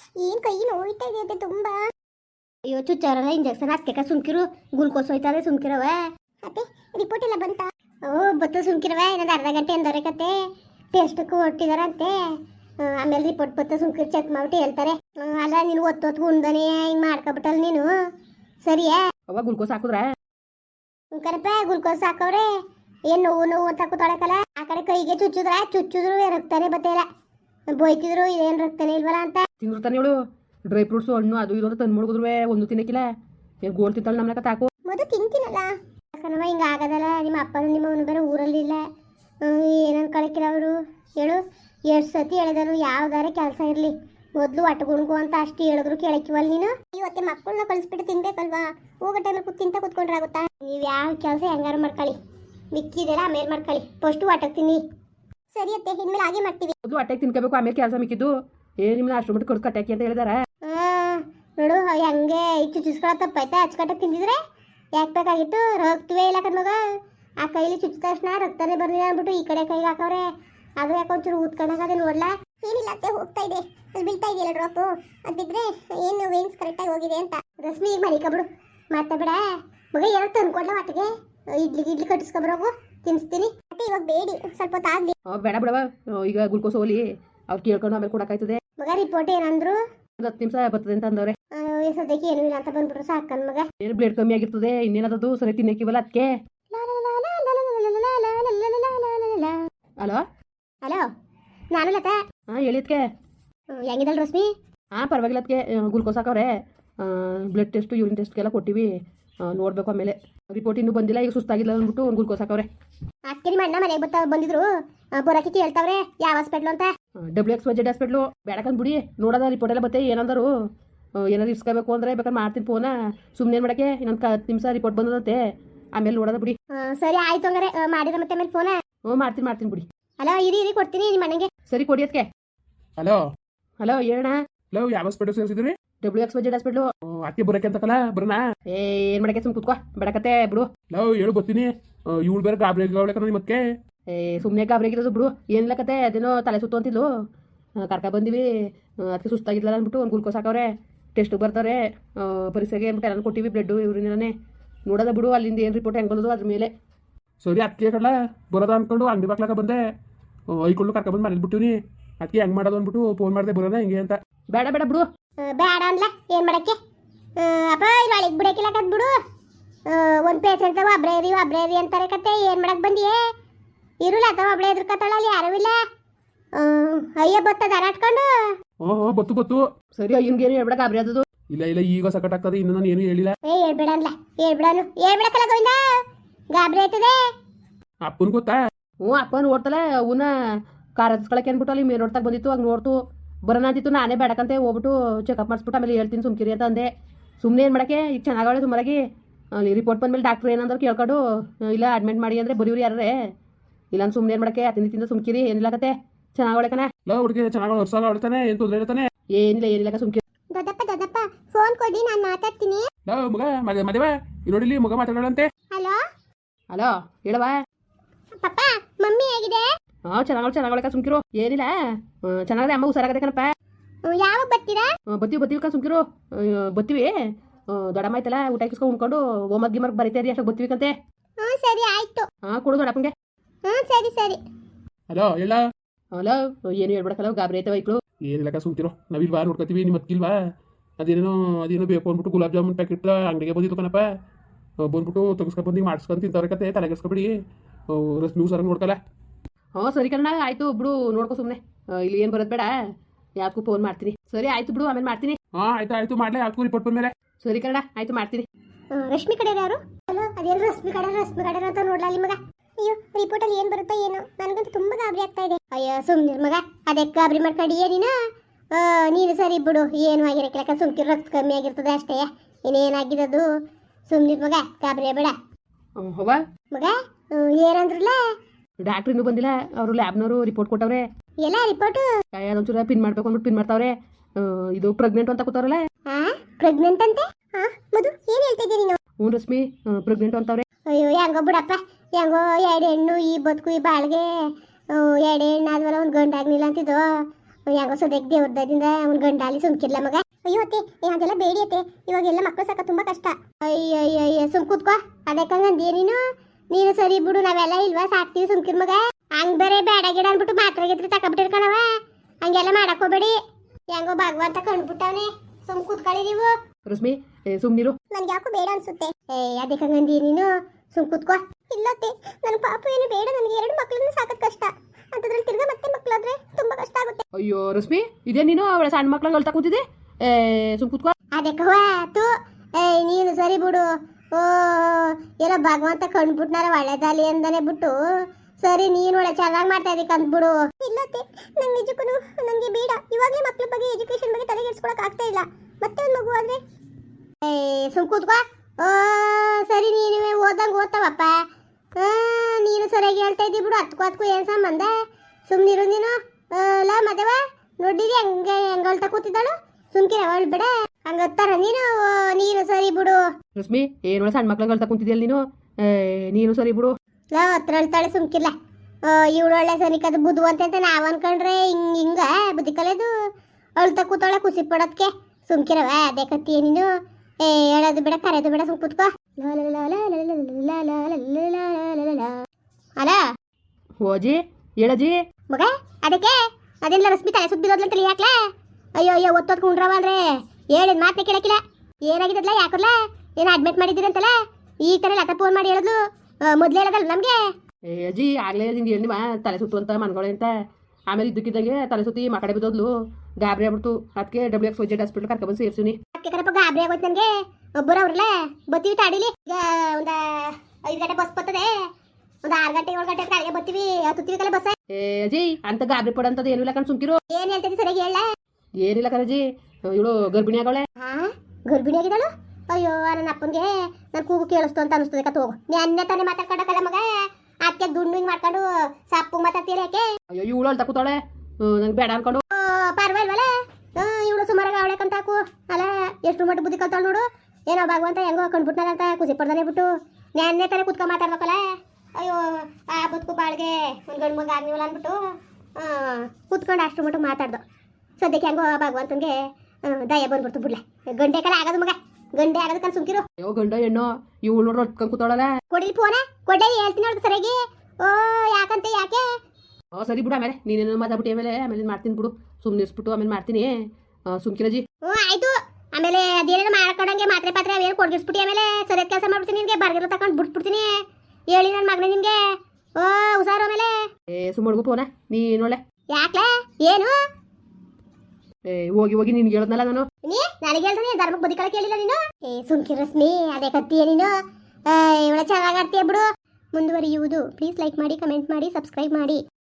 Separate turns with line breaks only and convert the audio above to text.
ಏನ್ ಕೈ ನೋಯ್ತಾ ಇದೆ ಅಂತೆ ತುಂಬಾ. ಅಯ್ಯೋ ಚುಚ್ಚಾರಲ್ಲ ಇಂಜೆಕ್ಷನ್ ಹಾಕ್ಬೇಕ ಸುಮ್ಕಿರು. ಗ್ಲೂಕೋಸ್ ಹೋಯ್ತದೆ ಸುಮ್ಕಿರವ. ಅತ್ತೆ ರಿಪೋರ್ಟ್ ಎಲ್ಲ ಬಂತ? ಬತ್ತು ಸುಮ್ಕಿರವ. ಇನ್ನೊಂದು ಅರ್ಧ ಗಂಟೆ ಎಂದವ್ರೆ ಕತೆ ಟೆಸ್ಟ್ಗೆ ಹೊಟ್ಟಿದಾರಂತೆ. ಆಮೇಲೆ ರಿಪೋರ್ಟ್ ಬತ್ತು ಸುಮ್ಕಿರು ಚೆಕ್ ಮಾಡ್ಬಿಟ್ಟು ಹೇಳ್ತಾರೆ. ಅಲ್ಲ ನೀನು ಒತ್ತೊತ್ತು ಉಂಡನೆ ಹಿಂಗೆ ಮಾಡ್ಕೊಬಿಟ್ಟಲ್ಲ ನೀನು. ಸರಿಯಾ?
ಅವಾಗ ಗ್ಲುಕೋಸ್ ಹಾಕಿದ್ರೆ
ಕರಪ ಗ್ಲುಕೋಸ್ ಹಾಕವ್ರೆ. ಏನ್ ನೋವು ಅಂತ ಕೂತಾಳಕಲ್ಲ. ಆ ಕಡೆ ಕೈಗೆ ಚುಚ್ಚಿದ್ರು ರಕ್ತಾನೆ ಬತ್ತಿಲ್ಲ. ಬೋಯ್ತಿದ್ರು ಇದೇನು ರಕ್ತಾನೆ ಇಲ್ವಲ್ಲ ಅಂತ.
ತಿಂದಿರ್ತಾನೆ ಇವಳು. ಡ್ರೈ ಫ್ರೂಟ್ಸು ಹಣ್ಣು ಅದು ಇದು ಅಂತ ತಂದು ಮುಳುಗಿದ್ರು ಒಂದು ತಿನ್ನಕ್ಕಿಲ್ಲ. ಏನು ಗೋಲ್ ತಿಂತಾಳೆ ನಮ್ಮಕ್ಕ ತಾಕು.
ಮೊದಲು ತಿಂತೀನಲ್ಲ ಯಾಕಂದ್ರೆ ಹಿಂಗೆ ಆಗದಲ್ಲ. ನಿಮ್ಮ ಅಪ್ಪನ ನಿಮ್ಮ ಅವನು ಬೇರೆ ಊರಲ್ಲಿಲ್ಲ. ಏನನ್ನು ಕಳಕಿಲ್ಲ ಅವರು. ಹೇಳು ಎಷ್ಟು ಸತಿ ಹೇಳಿದರು ಯಾವ್ದಾರ ಕೆಲಸ ಇರಲಿ ಮೊದಲು ಒಟ್ಟಗುಣ್ಗು ಅಂತ ಅಷ್ಟು ಹೇಳಿದ್ರು ಕೇಳಕ್ಕಿವಲ್ಲ ನೀನು. ಇವತ್ತೆ ಮಕ್ಕಳನ್ನ ಕಳಿಸ್ಬಿಟ್ಟು ತಿನ್ಬೇಕಲ್ವಾ? ಹೋಗೋ ಟೈಮಲ್ಲಿ ತಿಂತ ಕೂತ್ಕೊಂಡ್ರೆ ಆಗುತ್ತಾ? ನೀವು ಯಾವ ಕೆಲಸ ಹೆಂಗಾರು ಮಾಡ್ಕೊಳ್ಳಿ, ಮಿಕ್ಕಿದೆಲ್ಲ ಆಮೇಲೆ ಮಾಡ್ಕೊಳ್ಳಿ. ಫಸ್ಟು ಒಟ್ಟಕ್ಕೆ ತಿನ್ನಿ. ಸರಿ ಅತ್ತೆ, ಇನ್ಮೇಲೆ ಹಾಗೆ ಮಾಡ್ತೀವಿ.
ಮೊದಲು ಹೊಟ್ಟೆಗೆ ತಿನ್ಕೋಬೇಕು, ಆಮೇಲೆ ಕೆಲಸ ಮಿಕ್ಕಿದ್ದು. ನಿಮ್ಮನ್ನ ಅಷ್ಟು ಮಟ್ಟ ಕೊಡು ಕಟ್ಟಾಕಿ ಅಂತ ಹೇಳಿದಾರ.
ನೋಡು ಹೆಂಗೆ ಚುಚ್ಚಿಸ್ಕೊಳ್ಳೋ ತಪ್ಪಾಯ್ತಾ? ಅಚ್ಚುಕಟ್ಟಾಗಿ ತಿಂದಿದ್ರೆ ಯಾಕೆ ಬೇಕಾಗಿತ್ತು? ರಕ್ತವೇ ಇಲ್ಲ ಕಣ್ಮಗ. ಆ ಕೈಲಿ ಚುಚ್ಚಿದ ತಕ್ಷಣ ರಕ್ತನೇ ಬರ್ಲಿಲ್ಲ ಅಂದ್ಬಿಟ್ಟು ಈ ಕಡೆ ಕೈಗೆ ಹಾಕವ್ರೆ. ಅದು ಯಾಕೆ ಒಂಚೂರು ಊದ್ಕೊಂಡಾಗದೆ ನೋಡ್ಲಾ? ಏನಿಲ್ಲ ಅತ್ತೆ, ಹೋಗ್ತಾ ಇದೆ. ಅದು ಬೀಳ್ತಾ ಇದೆಯಲ್ಲ ಡ್ರಾಪು. ಅದು ಬಿದ್ದರೆ ಏನು ವೇನ್ಸ್ ಕರೆಕ್ಟಾಗಿ ಹೋಗಿದೆ ಅಂತ. ರಶ್ಮಿ ಈಗ ಮರಿಕೊಬಿಡು ಮಾತಾಬೇಡ ಮಗ. ಎರಡು ತಂದ್ಕೊಡ್ಲ ಒಟ್ಟಿಗೆ ಇಡ್ಲಿ ಕಟ್ಟಿಸ್ಕೊಬರೋಗು, ತಿನ್ನಿಸ್ತೀನಿ. ಮತ್ತೆ ಇವಾಗ ಬೇಡಿ, ಸ್ವಲ್ಪ ಹೊತ್ತು ಆಗಲಿ.
ಬೇಡ ಬಿಡವ, ಈಗ ಗ್ಲುಕೋಸ್ ಹೋಲಿ ಅವ್ರು ಕೇಳ್ಕೊಂಡು ಆಮೇಲೆ ಕೊಡೋಕ್ಕಾಯ್ತದೆ.
ಮಗ ರಿಪೋರ್ಟ್ ಏನಂದ್ರು?
10 ನಿಮಿಷ ಬರ್ತದೆ ಅಂತ ಅಂದವ್ರೆ.
ಸದ್ಯಕ್ಕೆ ಏನೂ ಇಲ್ಲ ಅಂತ ಬಂದ್ಬಿಟ್ರು ಸಾಕನ್ ಮಗ.
ಏನು ಬ್ಲಡ್ ಕಮ್ಮಿ ಆಗಿರ್ತದೆ, ಇನ್ನೇನದದು ಸರಿ ತಿನ್ನಕ್ಕಿವಲ್ಲ ಅದಕ್ಕೆ. ಹಲೋ
ಹಲೋ, ನಾನು ಲತಾ.
ಹೇಳಿದ್ಕೆ
ಹೆಂಗಿದಲ್ ರಶ್ಮಿ?
ಪರವಾಗಿಲ್ಲ ಅದಕ್ಕೆ ಗ್ಲುಕೋಸ್ ಹಾಕವ್ರೆ. ಬ್ಲಡ್ ಟೆಸ್ಟು ಯೂರಿನ್ ಟೆಸ್ಟ್ಗೆಲ್ಲ ಕೊಟ್ಟಿವಿ. ನೋಡ್ಬೇಕು ಆಮೇಲೆ. ರಿಪೋರ್ಟ್ ಇನ್ನೂ ಬಂದಿಲ್ಲ. ಈಗ ಸುಸ್ತಾಗಿಲ್ಲ ಅಂದ್ಬಿಟ್ಟು ಒಂದು ಗ್ಲುಕೋಸ್ ಹಾಕವ್ರೆ. ಅದಕ್ಕೆ
ನಿಮ್ಮ ಅಣ್ಣ ಮನೆಗೆ ಬಂದಿದ್ರು ಬರೋಕೆ ಹೇಳ್ತಾವ್ರೆ ಯಾವ ಹಾಸ್ಪಿಟ್ಲು ಅಂತ.
WXYZ hospital. ಬೇಡಕಂದ್ ಬಿಡಿ, ನೋಡೋದ ರಿಪೋರ್ಟ್ ಎಲ್ಲ ಬತ್ತೆ. ಏನಂದರು ಏನಾದ್ರು ಇಸ್ಕೋಬೇಕು ಅಂದರೆ ಬೇಕಾದ್ರೆ ಮಾಡ್ತೀನಿ ಫೋನ. ಸುಮ್ಮನೆ ಮಾಡೋಕ್ಕೆ ಇನ್ನೊಂದು 10 ನಿಮಿಷ ರಿಪೋರ್ಟ್ ಬಂದದಂತೆ, ಆಮೇಲೆ ನೋಡೋದ ಬಿಡಿ.
ಸರಿ ಆಯ್ತು ಹಂಗಾರೆ. ಮಾಡಿದ್ರೆ ಮತ್ತೆ ಆಮೇಲೆ ಫೋನ.
ಮಾಡ್ತೀನಿ ಬಿಡಿ.
ಹಲೋ, ಇರಿ ಕೊಡ್ತೀನಿ ನಿಮ್ಮ ಅಣ್ಣಗೆ.
ಸರಿ ಕೊಡಿ ಅದಕ್ಕೆ.
ಹಲೋ
ಹೇಳೋಣ.
ಹಲೋ, ಯಾವ ಹಾಸ್ಪಿಟಲ್ ಸೇರಿಸಿದ್ರಿ?
WXYZ hospital.
ಅತ್ತೆ ಬರೋಕೆ ಅಂತಕಲ್ಲ ಬರೋಣ.
ಏನು ಮಾಡಕ್ಕೆ ಸುಮ್ಮನೆ ಕೂತ್ಕೋ, ಬೇಡಕತ್ತೆ ಬಿಡು.
ಲವ್ ಹೇಳು ಬರ್ತೀನಿ. ಇವಳು ಬೇರೆ ಗಾಬರಿ ಅವಳೆ ನಿಮ್ಮಕ್ಕೆ.
ಸುಮ್ಮನೆ ಗಾಬರಿ ಆಗಿರೋದು ಬಿಡು. ಏನಿಲ್ಲ ಕತೆ, ಅದೇನೋ ತಲೆ ಸುತ್ತು ಅಂತಿದ್ಲು. ಕರ್ಕ ಬಂದಿವಿ. ಅದಕ್ಕೆ ಸುಸ್ತಾಗಿದ್ಲಲ್ಲ ಅಂದ್ಬಿಟ್ಟು ಒಂದು ಗ್ಲುಕೋಸ್ ಹಾಕವ್ರೆ. ಟೆಸ್ಟಿಗೆ ಬರ್ತಾರೆ. ಪರೀಕ್ಷೆಗೆ ಅಂದ್ಬಿಟ್ಟು ಎಲ್ಲ ಕೊಟ್ಟಿವಿ. ಬ್ಲಡ್ಡು ಇವ್ರನ್ನೇ ನೋಡೋದ ಬಿಡು. ಅಲ್ಲಿಂದ ಏನು ರಿಪೋರ್ಟ್ ಹೆಂಗೆ ಬಂದದು ಅದ್ರ ಮೇಲೆ.
ಸರಿ ಅದಕ್ಕೆ ಕಡ್ಲ ಬರೋದ ಅಂದ್ಕೊಂಡು ಅಂಗಡಿ ಬಾಕ್ಲಾಗ ಬಂದೆ. ಐಕೊಂಡು ಕರ್ಕೊಬಂದು ಮನೇಲಿ ಬಿಟ್ಟಿವ್ನಿ. ಅದಕ್ಕೆ ಹೆಂಗೆ ಮಾಡೋದು ಅಂದ್ಬಿಟ್ಟು ಫೋನ್ ಮಾಡಿದೆ ಬರೋಣ ಹಿಂಗೆ ಅಂತ.
ಬೇಡ ಬಿಡು.
ಬೇಡ ಅನ್ಲ ಏನು ಮಾಡಕ್ಕೆ? ಅಪ್ಪ ಇಲ್ಲಿ ಒಳಗೆ ಬಿಡಕ್ಕಿಲ್ಲ ಕತ್ ಬಿಡು. ಒಂದು ಪೇಷಂಟ್ ಒಬ್ರೇ ಇರಿ ಅಂತಾರೆ ಕತೆ. ಏನು ಮಾಡಕ್ಕೆ ಬಂದಿಯೇ? ಇರುಲ್ಲ ಅಥವಾ ಒಬ್ಳೆ ಎದುರ್ಕತ್ತಾಳ, ಅಲ್ಲಿ ಯಾರೂ ಇಲ್ಲ. ಅಯ್ಯ ಬತ್ತದ ಅರಾಟ್ಕೊಂಡು.
ಬತ್ತು.
ಸರಿ ಹಿಂಗೇನು ಹೇಳ್ಬೇಡ, ಗಾಬರಿ ಆದದು.
ಇಲ್ಲ ಈಗ ಸಕಟ್ ಆಗ್ತದೆ. ಇನ್ನು ನಾನು ಏನು ಹೇಳಿಲ್ಲ.
ಹೇಳ್ಬೇಡ ಅನ್ಲ, ಹೇಳ್ಬಿಡಕ್ಕಲ್ಲ ಗೋವಿಂದ, ಗಾಬರಿ ಆಯ್ತದೆ.
ಅಪ್ಪನ ಗೊತ್ತಾ?
ಅಪ್ಪನ ನೋಡ್ತಲ್ಲ. ಅವನ್ನ ಕಾರ್ ಹತ್ಸ್ಕೊಳಕ್ಕೆ ಅಂದ್ಬಿಟ್ಟು ಅಲ್ಲಿ ಮೇಲ್ ನೋಡ್ತಾಗ ಬಂದಿತ್ತು. ಆಗ ನೋಡ್ತು ಬರೋಣ ಅಂತಿತ್ತು. ನಾನೇ ಬೇಡಕಂತೆ ಹೋಗ್ಬಿಟ್ಟು ಚೆಕಪ್ ಮಾಡಿಸ್ಬಿಟ್ಟು ಆಮೇಲೆ ಹೇಳ್ತೀನಿ ಸುಮ್ಕಿರಿ ಅಂತ ಅಂದೆ. ಸುಮ್ಮನೆ ಏನು ಮಾಡೋಕ್ಕೆ? ಈಗ ಚೆನ್ನಾಗವಳೆ ಸುಮಾರಾಗಿ. ಅಲ್ಲಿ ರಿಪೋರ್ಟ್ ಬಂದಮೇಲೆ ಡಾಕ್ಟ್ರ್ ಏನಂದ್ರೆ ಕೇಳ್ಕೊಂಡು ಇಲ್ಲ ಅಡ್ಮಿಟ್ ಮಾಡಿ ಅಂದರೆ ಬರೀವ್ರಿ ಯಾರೇ. ಇಲ್ಲ ಅಂತ ಸುಮ್ಮನೆ ಏನು ಮಾಡೋಕ್ಕೆ? ತಿಂದ ಸುಮ್ಕಿರಿ. ಏನಿಲ್ಲ ಕತೆ, ಚೆನ್ನಾಗವಳೆ ಕಣ.
ಹುಡುಗಿ ಚೆನ್ನಾಗಿ ವರ್ಷ ಹೊಡ್ತಾನೆ. ಏನು ತೊಂದರೆ ಇರ್ತಾನೆ?
ಏನಿಲ್ಲ ಸುಮ್ಕಿರಿ.
ದೊಡ್ಡಪ್ಪ ಫೋನ್ ಕೊಡಿ, ನಾನು ಮಾತಾಡ್ತೀನಿ.
ಮಗ ಮದುವೆ ನೋಡಿಲಿ, ಮಗ ಮಾತಾಡೋಳಂತೆ.
ಹಲೋ
ಹೇಳವ.
ಪಪ್ಪ ಮಮ್ಮಿ ಹೇಗಿದೆ?
ಚೆನ್ನಾಗವಳೆ ಸುಮ್ಕಿರು. ಏನಿಲ್ಲ, ಚೆನ್ನಾಗದೆ. ಅಮ್ಮ ಹುಷಾರಾಗದೆ ಕಣಪ್ಪ.
ಯಾವಾಗ ಬರ್ತೀರಾ?
ಬರ್ತೀವಿ ಸುಮ್ಕಿರು. ಬರ್ತೀವಿ. ದೊಡ್ಡಮ್ಮ ಆಯ್ತಲ್ಲ, ಊಟ ಹಾಕಿಸ್ಕೊಂಡು ಉಣ್ಕೊಂಡು ಹೋಮರ್ಕ್ ಗಿಮರ್ಕ್ ಬರೀತಾರಿ. ಅಷ್ಟೊಂದು ಬರ್ತೀವಿ ಕಂತೆ.
ಸರಿ ಆಯ್ತು.
ಕೊಡು ದೊಡ್ಡಪ್ಪಂಗೆ.
ಸರಿ.
ಹಲೋ ಹೇಳ.
ಹಲೋ, ಏನು ಹೇಳ್ಬಿಡಕಲ್ಲ, ಗಾಬರಿ ಆಯ್ತವ ಐಕ್ಳು.
ಏನಿಲ್ಲ ಸುಮ್ಕಿರು. ನಾವಿಲ್ವಾ ನೋಡ್ಕೊತೀವಿ. ನಿಮ್ಮ ಅಕ್ಕಿಲ್ವಾ? ಅದೇನೋ ಬೇಕು ಅಂದ್ಬಿಟ್ಟು ಗುಲಾಬ್ ಜಾಮೂನ್ ಪ್ಯಾಕೆಟ್ ಅಂಗಡಿಗೆ ಬಂದಿತ್ತು ಕಣಪ್ಪ. ಬಂದ್ಬಿಟ್ಟು ತೆಗಿಸ್ಕೊಂಡು ಮಾಡಿಸ್ಕೊಂಡು ತಿಂತವ್ರೆ ಕತೆ. ತಲೆಗೆಸ್ಕೊಬಿಡಿ. ರಶ್ಮಿ ಸರ್ ನೋಡ್ಕಲ್ಲ.
ಸರಿ ಕಣ ಆಯ್ತು ಬಿಡು. ನೋಡ್ಕೊ ಸುಮ್ಮನೆ. ಇಲ್ಲಿ ಏನು ಬರೋದು ಬೇಡ. ಯಾಕೂ ಫೋನ್ ಮಾಡ್ತೀನಿ. ಸರಿ ಆಯ್ತು ಬಿಡು, ಆಮೇಲೆ ಮಾಡ್ತೀನಿ.
ಆಯ್ತು ಮಾಡ್ಲೇ. ಯಾಕೂ ರಿಪೋರ್ಟ್ ಬಂದ್ಮೇಲೆ.
ಸರಿ ಕಣ ಆಯ್ತು, ಮಾಡ್ತೀನಿ.
ರಶ್ಮಿ ಕಡೆ ಯಾರು? ಹಲೋ, ಅದೇನು ರಶ್ಮಿ ಕಡೆ ಅಂತ ನೋಡ್ಲಾ ಅಲ್ಲಿ ಮಗ. ಅಯ್ಯೋ, ರಿಪೋರ್ಟಲ್ಲಿ ಏನು ಬರುತ್ತೋ ಏನೋ. ನನಗಂತೂ ತುಂಬ ಗಾಬರಿ ಆಗ್ತಾ ಇದೆ. ಅಯ್ಯೋ ಸುಮ್ಮನೆ ಮಗ, ಅದಕ್ಕೆ ಗಾಬರಿ ಮಾಡ್ಕೊಂಡಿಯೇ ನೀನು ಸರಿ ಬಿಡು. ಏನು ಆಗಿರಕ್ಕಿಲ್ಲ, ಸುಮ್ಕಿರು. ರಕ್ತ ಕಮ್ಮಿ ಆಗಿರ್ತದೆ ಅಷ್ಟೇ. ಇನ್ನೇನಾಗಿರೋದು? ಸುಮ್ಮನೆ ಮಗ, ಗಾಬರಿ ಬೇಡ ಮಗ. ಏನಂದ್ರಲ್ಲ?
ಡಾಕ್ಟ್ರ್ ಇನ್ನೂ ಬಂದಿಲ್ಲ. ಅವರು ಲ್ಯಾಬ್ನವರು ರಿಪೋರ್ಟ್ ಕೊಟ್ಟವ್ರೆ.
ಎಲ್ಲ ರಿಪೋರ್ಟು
ಯಾವ್ದೊಂಚೂರ ಪಿನ್ ಮಾಡ್ಬೇಕು ಅಂದ್ಬಿಟ್ಟು ಪಿನ್ ಮಾಡ್ತಾವ್ರೆ. ಇದು ಪ್ರೆಗ್ನೆಂಟ್ ಅಂತ ಕೂತಾರಲ್ಲ.
ಪ್ರೆಗ್ನೆಂಟ್ ಅಂತೆ? ಮಧು ಏನು ಹೇಳ್ತಾ ಇದ್ದೀರಿ ನೀನು?
ರಶ್ಮಿ ಪ್ರೆಗ್ನೆಂಟ್ ಅಂತವ್ರೆ.
ಅಯ್ಯೋ ಹೆಂಗೋ ಬಿಡಪ್ಪ, ಹೆಂಗೋ 2 ಹೆಣ್ಣು ಈ ಬದುಕು ಈ ಬಾಳ್ಗೆ. 2 ಹೆಣ್ಣು ಆದ್ಮೇಲೆ ಒಂದು ಗಂಡು ಆಗ್ಲಿಲ್ಲ ಅಂತಿದ್ದು. ಹೆಂಗೋ ಸದ್ಯಕ್ಕೆ ದೇವ್ರದಿಂದ ಅವ್ನ ಗಂಡಾಲಿ ಸುಮ್ಕಿರ್ಲ ಮಗ. ಅಯ್ಯೋ ಅತ್ತೆ ಅದೆಲ್ಲ ಬೇಡಿ ಅತ್ತೆ, ಇವಾಗೆಲ್ಲ ಮಕ್ಕಳು ಸಾಕ ತುಂಬಾ ಕಷ್ಟ. ಅಯ್ಯ ಸುಮ್ ಕೂತ್ಕೋ. ಅದಕ್ಕಂಗಂದೇ ನೀನು ಸರಿ ಬಿಡು, ನಾವೆಲ್ಲ ಇಲ್ವಾ ಸಾಕ್ತೀವಿ ಸುಮ್ಕಿರ್ ಮಗ. ಹಂಗ್ ಬೇರೆ ಬೇಡ ಗಿಡ ಅನ್ಬಿಟ್ಟು ಮಾತ್ರ ಗಿತ್ರ ತಕೊಬಿಟ್ಟಿರ್ಕಣವ, ಹಂಗೆಲ್ಲ ಮಾಡಕ್ ಹೋಗ್ಬೇಡಿ. ಹೆಂಗೋ ಭಗವಂತ ಕಂಡ್ಬಿಟ್ಟವನೆ, ಸುಮ್ ಕೂತ್ಕೊಳ್ಳಿ ನೀವು.
ರಶ್ಮಿ ಸುಮ್ನಿರು.
ನನ್ಗೆ ಯಾಕೋ ಬೇಡ ಅನ್ಸುತ್ತೆ. ಅದಕ್ಕಂಗಂದಿ ನೀನು ಸುಮ್ ಕೂತ್ಕೋ. ಇಲ್ಲತ್ತೆ ನನ್ನ ಪಾಪ ಏನು ಬೇಡ, ನನಗೆ 2 ಮಕ್ಕಳನ್ನ ಸಾಕದ್ ಕಷ್ಟ, ಅಂತದ್ರಲ್ಲಿ ತಿರ್ಗಾ ಮತ್ತೆ ಮಕ್ಕಳಾದ್ರೆ ತುಂಬಾ ಕಷ್ಟ ಆಗುತ್ತೆ.
ಅಯ್ಯೋ ರಶ್ಮಿ, ಇದೇ ನೀನು ಅವಳ ಸಣ್ಣ ಮಕ್ಳಂಗೆ ಅಳ್ತಾ ಕೂತಿದ್ದೆ. ಸುಮ್ ಕೂತ್ಕೋ.
ಅದಕ್ಕವ ತು ನೀನು ಸರಿ ಬಿಡು. ಓ ಏನೋ ಭಗವಂತ ಕಂಡ್ಬಿಟ್ನಾರ ಒಳ್ಳೇದಾಲಿ ಅಂದಾನೆ ಬಿಟ್ಟು ಸರಿ ನೀನು ಒಳ್ಳೆ ಚೆನ್ನಾಗಿ ಮಾಡ್ತಾ ಇದೀಕ ಅಂದ್ಬಿಡು. ಇಲ್ಲತ್ತೆ ನಂಗೆ ನಿಜಕ್ಕೂ ನನಗೆ ಬೇಡ. ಇವಾಗಲೇ ಮಕ್ಳ ಬಗ್ಗೆ ಎಜುಕೇಶನ್ ಬಗ್ಗೆ ತಲೆಗೆಡ್ಸ್ಕೊಳಕ್ ಆಗ್ತಾ ಇಲ್ಲ, ಮತ್ತೆ ಒಂದು ಮಗು ಅಂದ್ರೆ ಸುಮ್ ಕೂತ್ಕೋ. ಓ ಸರಿ ನೀನು ಓದಂಗೆ ಓದ್ತಾವಪ್ಪ. ನೀನು ಸರಿಯಾಗಿ ಹೇಳ್ತಾ ಇದ್ದಿ ಬಿಡು, ಅದಕ್ಕೂ ಏನು ಸಂಬಂಧ. ಸುಮ್ಮನಿರು ನೀನು. ಲಾ ಮದವ ನೋಡಿರಿ ಹೆಂಗಳ್ತಾ ಕೂತಿದ್ದಾಳು, ಸುಮ್ಕಿರ ಅವಳು ಬಿಡ ಹಂಗತ್ತಾರ ನೀನು ಸರಿ ಬಿಡು.
ರಶ್ಮಿ ಏನೊಳ ಸಣ್ಣ ಮಕ್ಳಂಗೆ ಅಳ್ತಾ ಕೂತಿದ್ಯಲ್ಲ ನೀನು ಸರಿ ಬಿಡು.
ಲಾ ಹತ್ರ ಹೇಳ್ತಾಳೆ ಸುಮ್ಕಿರ್ಲ. ಇವಳು ಒಳ್ಳೆ ಸನಿಕದ ಬುದ್ಧುವಂತೆ ಅಂತ ನಾವು ಅನ್ಕೊಂಡ್ರೆ ಹಿಂಗ ಬುದ್ಧಿ ಕಲೆದು ಅಳ್ತಾ ಕೂತಾಳೆ ಖುಷಿ ಪಡೋದಕ್ಕೆ. ಸುಮ್ಕಿರವ ಅದೇ ಕತ್ತಿ ನೀನು. ಹೇಳೋದು ಬೇಡ ಕರೆದು ಬೇಡ, ಸುಮ್ ಕೂತ್ಕೋ. ಅಲ
ಓಜಿ ಹೇಳಜಿ
ಮಗ ಅದಕ್ಕೆ ಅದೆಲ್ಲ ರಶ್ಮಿ ತಲೆ ಸುದ್ದಿರೋದ್ಲಂತಲಿ ಯಾಕ್ಲಾ? ಅಯ್ಯೋ ಒತ್ತೋದ್ ಕುಂಡ್ರವ ಅಂದ್ರೆ ಹೇಳಿದ ಮಾತೇ ಕೇಳಕ್ಕಿಲ್ಲ. ಏನಾಗಿದ್ದಲ್ಲ ಯಾಕಲ್ಲ, ಏನೋ ಅಡ್ಮಿಟ್ ಮಾಡಿದ್ದೀರಂತಲ್ಲ, ಈ ಥರ ಲತಾ ಫೋನ್ ಮಾಡಿ ಹೇಳಿದ್ಲು. ಮೊದ್ಲು ಹೇಳೋದಲ್ಲ ನಮಗೆ.
ಅಜ್ಜಿ ಆಗ್ಲೇ ನಿಂಗೆ ಹೇಳಿ ತಲೆ ಸುತ್ತು ಅಂತ ಮನ್ಗೊಳೆ ಅಂತ. ಆಮೇಲೆ ಇದ್ದಕ್ಕಿದ್ದಂಗೆ ತಲೆ ಸುತ್ತಿ ಮಕಡೆ ಬಿದ್ದೋದ್ಲು, ಗಾಬರಿ ಆಗ್ಬಿಡ್ತು. ಅದಕ್ಕೆ WXYZ ಹಾಸ್ಪಿಟಲ್ ಕರ್ಕೊಂಡ್ಬಂದು ಸೇರ್ಸಿನಿ.
ಅದಕ್ಕೆ ಕರಪ್ಪ ಗಾಬರಿ ಆಗೋಯ್ತು ನನಗೆ. ಒಬ್ಬರು ಅವ್ರಲ್ಲ ಬತ್ತೀವಿ ತಾಡಿಲಿ. ಈಗ ಒಂದು 5 ಗಂಟೆ ಬಸ್ ಬರ್ತದೆ, ಒಂದು 6 ಗಂಟೆ 7 ಗಂಟೆ ಕಾಲಿಗೆ ಬರ್ತೀವಿ, ಹತ್ತುತ್ತೀವಿ ಕಲೆ ಬಸ್.
ಅಜ್ಜಿ ಅಂತ ಗಾಬರಿ ಪಡೋಂಥದ್ದು ಏನು ಇಲ್ಲ ಕಣ್, ಸುಮ್ಕಿರು.
ಏನು ಹೇಳ್ತಿದ್ದಿ ಸರಿಯಾಗಿ ಹೇಳ.
ಏನಿಲ್ಲ ಕಣಜ್ಜಿ, ಇವಳು ಗರ್ಭಿಣಿ ಆಗೋಳೆ.
ಗರ್ಭಿಣಿ ಆಗಿದ್ದಾಳು? ಅಯ್ಯೋ ನನ್ನ ಅಪ್ಪನಿಗೆ ನಾನು ಕೂಗು ಕೇಳಿಸ್ತು ಅಂತ ಅನಿಸ್ತದೆ. ಕತ್ ಹೋಗು, ನೆನ್ನೆ ತಾನೇ ಮಾತಾಡ್ಕೊಂಡಕ್ಕಲ್ಲ ಮಗ. ಅದಕ್ಕೆ ದುಂಡು ಹಿಂಗೆ ಮಾಡ್ಕೊಂಡು ಸಪ್ಪು ಮಾತಾಡ್ತೀರ ಯಾಕೆ?
ಅಯ್ಯೋ ಇವಳು ಅಳ್ತಾ ಕೂತಾಳೆ, ನಂಗೆ ಬೇಡ ಅನ್ಕೊಂಡು.
ಪರವಾಗಿಲ್ವಲ್ಲ ಇವಳು ಸುಮಾರಾಗ ಅವಳೆಕಂತ ಹಾಕು ಅಲ್ಲ. ಎಷ್ಟು ಮಟ್ಟ ಬುದ್ಧಿ ಕಲ್ತಾಳು ನೋಡು. ಏನೋ ಭಗವಂತ ಹೆಂಗೋ ಕಂಡ್ಬಿಟ್ನಾರ ಅಂತ ಖುಷಿ ಪಡ್ದಾನೆ ಬಿಟ್ಟು ನೆನ್ನೆ ತಾನೇ ಕೂತ್ಕೊಂಡು ಮಾತಾಡ್ಬೇಕಲ್ಲ. ಅಯ್ಯೋ ಆ ಬದುಕು ಬಾಳ್ಗೆ ಒಂದು ಗಂಡು ಮಗ ಆಗ್ನಿವಲ್ಲ ಅಂದ್ಬಿಟ್ಟು ಕೂತ್ಕೊಂಡು ಅಷ್ಟು ಮಟ್ಟ ಮಾತಾಡ್ದು. ಸದ್ಯಕ್ಕೆ ಹೆಂಗೋ ಭಗವಂತನಿಗೆ ದಯ ಬಂದ್ಬಿಡ್ತು ಬಿಡ್ಲೆ. ಗಂಡೆ ಕಲ ಆಗೋದು ಮಗ, ಗಂಡೆ ಆಗೋದಕ್ಕಂತ ಸುಮ್ಕಿರು.
ಅಯ್ಯೋ ಗಂಡ ಹೆಣ್ಣು ಇವಳು ನೋಡ್ರಿ ಹೊತ್ಕೊಂಡು ಕೂತಾಳಲ್ಲ.
ಕೊಡಿಲಿ ಫೋನ ಕೊಡ್ಲಿ, ಹೇಳ್ತೀನಿ ನೋಡ್ದು ಸರಿಯಾಗಿ. ಓ ಯಾಕಂತೆ ಯಾಕೆ?
ಸರಿ ಬಿಡು, ಆಮೇಲೆ ನೀನೇನು ಮಾತಾಡ್ಬಿಟ್ಟು ಆಮೇಲೆ ಮಾಡ್ತೀನಿ ಬಿಡು. ಸುಮ್ಮನೆ ಇಸ್ಬಿಟ್ಟು ಆಮೇಲೆ ಮಾಡ್ತೀನಿ. ಸುಮ್ಕಿರಜಿ.
ಆಯ್ತು. ಆಮೇಲೆ ಅದೇನೇನು ಮಾಡ್ಕೊಂಡಂಗೆ ಮಾತ್ರೆ ಪಾತ್ರೆ ಅವೇನು ಕೊಡ್ಗಿಸ್ಬಿಟ್ಟು ಆಮೇಲೆ ಸರಿಯಾದ ಕೆಲಸ ಮಾಡ್ಬಿಡ್ತೀನಿ. ನಿನಗೆ ಬರ್ಗಿರೋ ತಗೊಂಡು ಬಿಟ್ಬಿಡ್ತೀನಿ. ಹೇಳಿ ನನ್ನ ಮಗನೇ ನಿನಗೆ. ಓ ಹುಷಾರು. ಆಮೇಲೆ
ಸುಮ್ಮಡ್ಗು ಫೋನ ನೀನೊಳ್ಳೆ.
ಯಾಕ್ಲೆ ಏನು?
ಹೋಗಿ ನಿನ್ಗೆ ಹೇಳದ್ನಲ್ಲ ನಾನು.
ನನಗೆ ಹೇಳ್ತಾನೆ ಧರ್ಮಕ್ಕೆ ಬದುಕಳ ಕೇಳಿಲ್ಲ ನೀನು. ಸುಮ್ಕಿ ರಶ್ಮಿ ಅದೇ ಕತ್ತೀಯ ನೀನು. ಇವಳ ಚೆನ್ನಾಗಿ ಆಡ್ತೀಯ ಬಿಡು. ಮುಂದುವರಿಯುವುದು. ಪ್ಲೀಸ್ ಲೈಕ್ ಮಾಡಿ, ಕಮೆಂಟ್ ಮಾಡಿ, ಸಬ್ಸ್ಕ್ರೈಬ್ ಮಾಡಿ.